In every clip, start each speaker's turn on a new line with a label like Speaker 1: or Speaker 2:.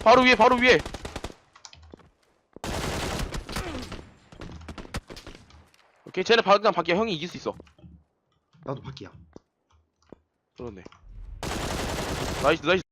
Speaker 1: 바로 위에 바로 위에. 오케이 쟤네 그냥 밖에 형이 이길 수 있어.
Speaker 2: 나도 밖이야.
Speaker 1: 그렇네. 나이스 나이스.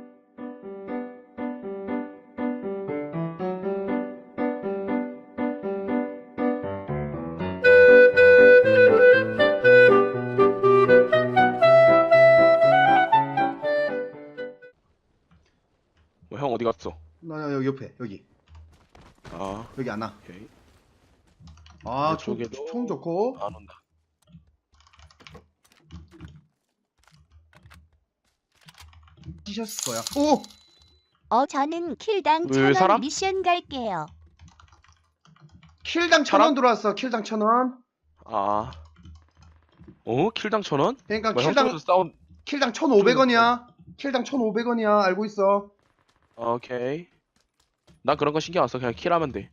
Speaker 1: 뭐, 형 어디 갔어?
Speaker 2: 나 여기 옆에 여기
Speaker 1: 아
Speaker 2: 여기 안 와.
Speaker 1: 오케이.
Speaker 2: 아,
Speaker 1: 내 쪽에도
Speaker 2: 총 좋고.
Speaker 1: 안 온다.
Speaker 2: 뛰셨을 거야. 오!
Speaker 3: 저는 킬당
Speaker 1: 왜
Speaker 3: 1000원
Speaker 1: 사람?
Speaker 3: 미션 갈게요.
Speaker 2: 킬당 1000원 들어왔어. 킬당 1000원.
Speaker 1: 아. 킬당 1000원?
Speaker 2: 그러니까
Speaker 1: 뭐, 형
Speaker 2: 킬당
Speaker 1: 쪽에서 싸운.
Speaker 2: 킬당 1,500원이야. 킬당 1,500원이야. 알고 있어.
Speaker 1: 오케이. 난 그런 거 신경 안 써. 그냥 킬하면 돼.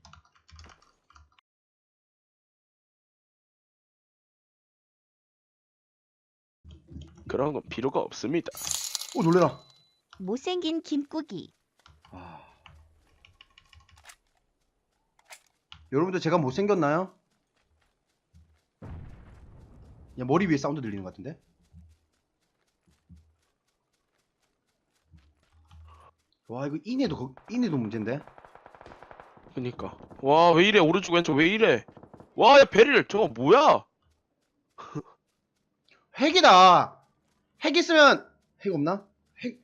Speaker 1: 그런 건 필요가 없습니다.
Speaker 2: 오, 놀래라.
Speaker 3: 못생긴 김꾸기.
Speaker 2: 아. 여러분들 제가 못생겼나요? 야, 머리 위에 사운드 들리는 것 같은데? 와, 이거 인해도 문제인데?
Speaker 1: 그니까. 와, 왜 이래? 오른쪽 왼쪽 왜 이래? 와, 야, 베릴 저거 뭐야?
Speaker 2: 핵이다. 핵 있으면 핵 없나? 핵.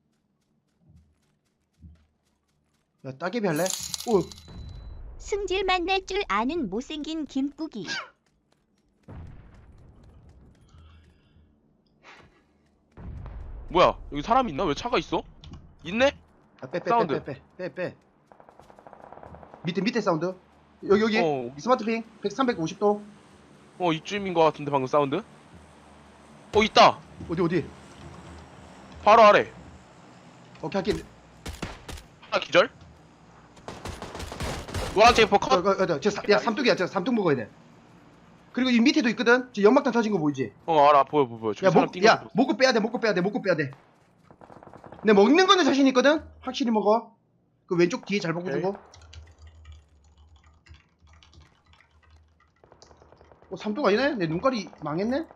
Speaker 2: 야, 따개비 할래? 오,
Speaker 3: 승질만 낼 줄 아는 못생긴 김꾸기.
Speaker 1: 뭐야? 여기 사람 있나? 왜 차가 있어? 있네?
Speaker 2: 아, 빼. 밑에 사운드. 여기. 스마트핑 350도.
Speaker 1: 이쯤인 것 같은데 방금 사운드? 있다.
Speaker 2: 어디?
Speaker 1: 바로 아래.
Speaker 2: 오케이, 할게.
Speaker 1: 하나 기절. 노란색 퍼 컷.
Speaker 2: 야, 삼뚝이야. 저 삼뚝 먹어야 돼. 그리고 이 밑에도 있거든. 저 연막탄 터진 거 보이지?
Speaker 1: 알아. 보여. 저기 사람 뛴 거.
Speaker 2: 먹고 빼야 돼. 내 먹는 거는 자신 있거든. 확실히 먹어. 그 왼쪽 뒤에 잘 보고
Speaker 1: 오케이.
Speaker 2: 주고. 삼뚝 아니네? 내 눈깔이 망했네?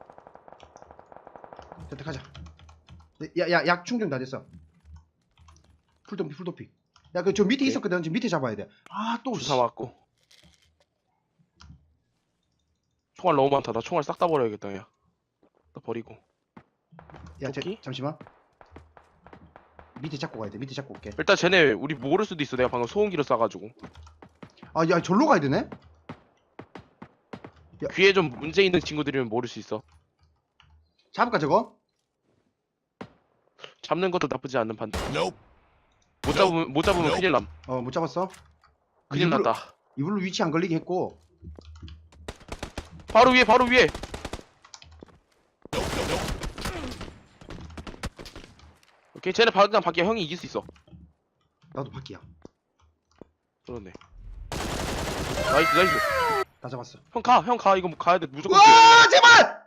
Speaker 2: 됐다, 가자. 약 충전 다 됐어. 풀도핑. 야, 저 밑에
Speaker 1: 오케이.
Speaker 2: 있었거든. 저 밑에 잡아야 돼. 아, 또.
Speaker 1: 주사 맞고. 총알 너무 많다. 나 총알 싹 다 버려야겠다. 야. 나 버리고.
Speaker 2: 야,
Speaker 1: 토끼?
Speaker 2: 잠시만. 밑에 잡고 가야 돼. 밑에 잡고 올게.
Speaker 1: 일단 쟤네 우리 모를 수도 있어. 내가 방금 소음기를 쏴가지고.
Speaker 2: 아, 야, 절로 가야 되네?
Speaker 1: 귀에 좀 문제 있는 친구들이면 모를 수 있어.
Speaker 2: 잡을까, 저거?
Speaker 1: 잡는 것도 나쁘지 않는 판단. 못 잡으면 큰일 남.
Speaker 2: 못 잡았어.
Speaker 1: 큰일
Speaker 2: 일부러-
Speaker 1: 났다.
Speaker 2: 이불로 위치 안 걸리게 했고.
Speaker 1: 바로 위에. 오케이 쟤네 그냥 밖에 형이 이길 수 있어.
Speaker 2: 나도 밖이야.
Speaker 1: 그렇네. 나이스.
Speaker 2: 다 잡았어.
Speaker 1: 형 가 이거 가야 돼 무조건.
Speaker 2: 와, 제발!